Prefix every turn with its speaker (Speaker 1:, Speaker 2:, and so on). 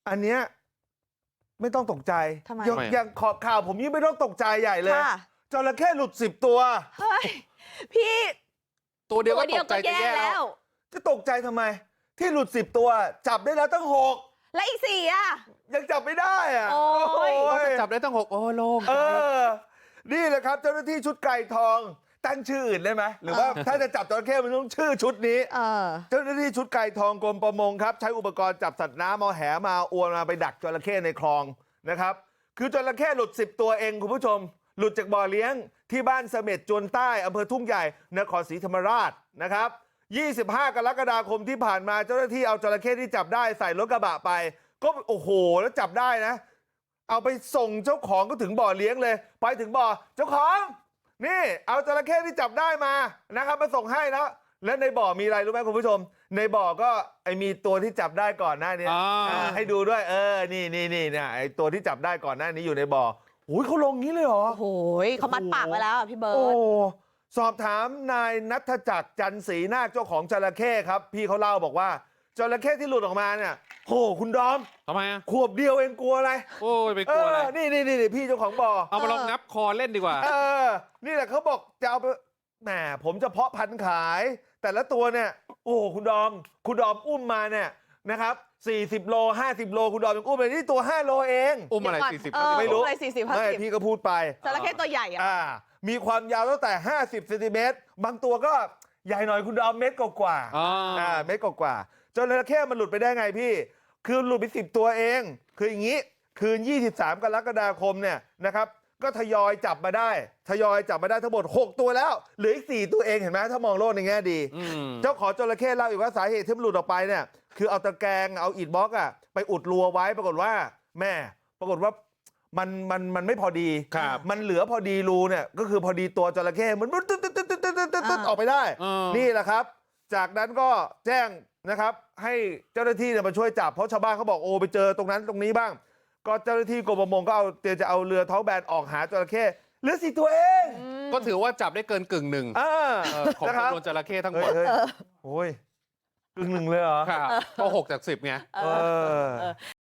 Speaker 1: อันเนี้ยไม่ต้องตกใจ
Speaker 2: ทำไม
Speaker 1: อย่างข่าวผมยิ่งไม่ต้องตกใจใหญ่เลยจระเข้หลุด10 ตัว
Speaker 2: เฮ้ยพี่
Speaker 3: ตัวเดียวก็ตกใจจะแย่แล้ว
Speaker 1: จะตกใจทำไมที่หลุด10 ตัวจับได้แล้วตั้ง6
Speaker 2: และอีก4อ่ะ
Speaker 1: ยังจับไม่ได้อ่ะ
Speaker 2: โอ้ย
Speaker 3: จับได้ตั้ง6โอ้โล่ง
Speaker 1: นี่แหละครับเจ้าหน้าที่ชุดไก่ทองตั้งชื่ออื่นได้ไหมหรือว่าถ้าจะจับจระเข้มันต้องชื่อชุดนี้เจ้าหน้าที่ชุดไก่ทองกรมประมงครับใช้อุปกรณ์จับสัตว์น้ำเอาแหมาอวนมาไปดักจระเข้ในคลองนะครับคือจระเข้หลุด10 ตัวเองคุณผู้ชมหลุดจากบ่อเลี้ยงที่บ้านเสม็ดจวนใต้อำเภอทุ่งใหญ่นครศรีธรรมราชนะครับ25 กรกฎาคมที่ผ่านมาเจ้าหน้าที่เอาจระเข้ที่จับได้ใส่รถกระบะไปก็โอ้โหแล้วจับได้นะเอาไปส่งเจ้าของก็ถึงบ่อเลี้ยงเลยไปถึงบ่อเจ้าของนี่เอาจระเข้ที่จับได้มานะครับมาส่งให้แล้วและในบ่อมีอะไรรู้ไหมคุณผู้ชมในบ่อก็มีตัวที่จับได้ก่อนหน้านี้ให้ดูด้วยนี่เนี่ยไอตัวที่จับได้ก่อนหน้านี้อยู่ในบ่อโอ้ยเขาลงงี้เลยเหรอ
Speaker 2: โอ้ยเขามัดปากไว้แล้วพี่เบิร์ต
Speaker 1: สอบถามนายณัฐจักรจันศรีนาคเจ้าของจระเข้ครับพี่เขาเล่าบอกว่าจระเข้ที่หลุดออกมาเนี่ยโหคุณดอม
Speaker 3: ทำไม
Speaker 1: ขวบเดียวเองกลัวอะไร
Speaker 3: โอ้ยไปกลัวอะไร
Speaker 1: นี่พี่เจ้าของบ่อ
Speaker 3: เอามาลองงับคอเล่นดีกว่า
Speaker 1: นี่แหละเขาบอกจะเอาไปแหมผมจะเพาะพันธุ์ขายแต่ละตัวเนี่ยโอ้คุณดอมอุ้มมาเนี่ยนะครับ40 โล50 โลคุณดอมยังอุ้มเลยนี่ตัว5 โลเอง
Speaker 3: อุ้มอะไร40
Speaker 1: ไม่รู้
Speaker 2: อะไร40 50
Speaker 1: ไม่พี่ก็พูดไป
Speaker 2: จระเข้ตัวใหญ่
Speaker 1: มีความยาวตั้งแต่50 เซนติเมตรบางตัวก็ใหญ่หน่อยคุณดอมเมตรกว่าเมตรกว่าจระเข้มันหลุดไปได้ไงพี่คือหลุดไป10 ตัวเองคืออย่างนี้คืน23 กรกฎาคมเนี่ยนะครับก็ทยอยจับมาได้ทั้งหมด6 ตัวแล้วเหลืออีก4 ตัวเองเห็นไหมถ้ามองโลกในแง่ดีเจ้าของจระเข้เล่าอีกว่าสาเหตุที่มันหลุดออกไปเนี่ยคือเอาตะแกรงเอาอิฐบล็อกไปอุดรูไว้ปรากฏว่ามันไม่พอดีมันเหลือพอดีรูเนี่ยก็คือพอดีตัวจระเข้มันตึ๊ดออกไปได้นี่แหละครับจากนั้นก็แจ้งนะครับให้เจ้าหน้าที่มาช่วยจับเพราะชาวบ้านเขาบอกโอ้ไปเจอตรงนั้นตรงนี้บ้างก็เจ้าหน้าที่กรมประมงก็จะเอาเรือท้องแบนออกหาจระเข้เหลือ4 ตัวเอง
Speaker 3: ก็ถือว่าจับได้เกิน1/10ของจำนวนจระเข้ทั้งหมด
Speaker 1: โอ้ย1/10เลยเหรอ
Speaker 3: ครับก็6 จาก 10ไง